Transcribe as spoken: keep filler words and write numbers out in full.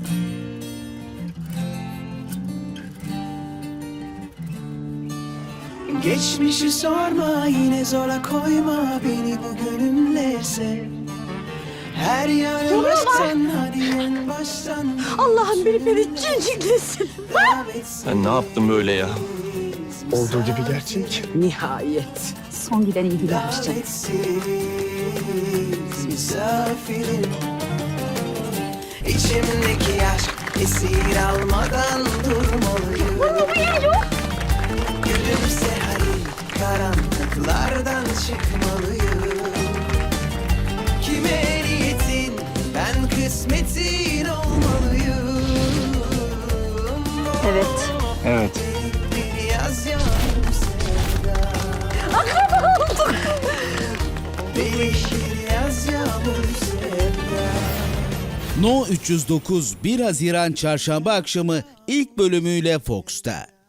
Geçmişi sorma, yine zora koyma beni bugünümle sev. Her yanı baştan, hadi en baştan. Allah'ım beni beni cinciklesin. Sen ne yaptın böyle ya? Olduğu gibi gerçek. Nihayet. Son giden iyi gidermiş canım. Davetsiz misafirim. İçimdeki aşk esir almadan durmalıyım. Gülümse hadi, karanlıklardan çıkmalıyım. Kime niyetin, ben kısmetin olmalıyım. Evet. Evet. Bir yaz yağmur sevda. Değişir yaz yağmur sevda. No üç yüz dokuz bir Haziran Çarşamba akşamı ilk bölümüyle Fox'ta.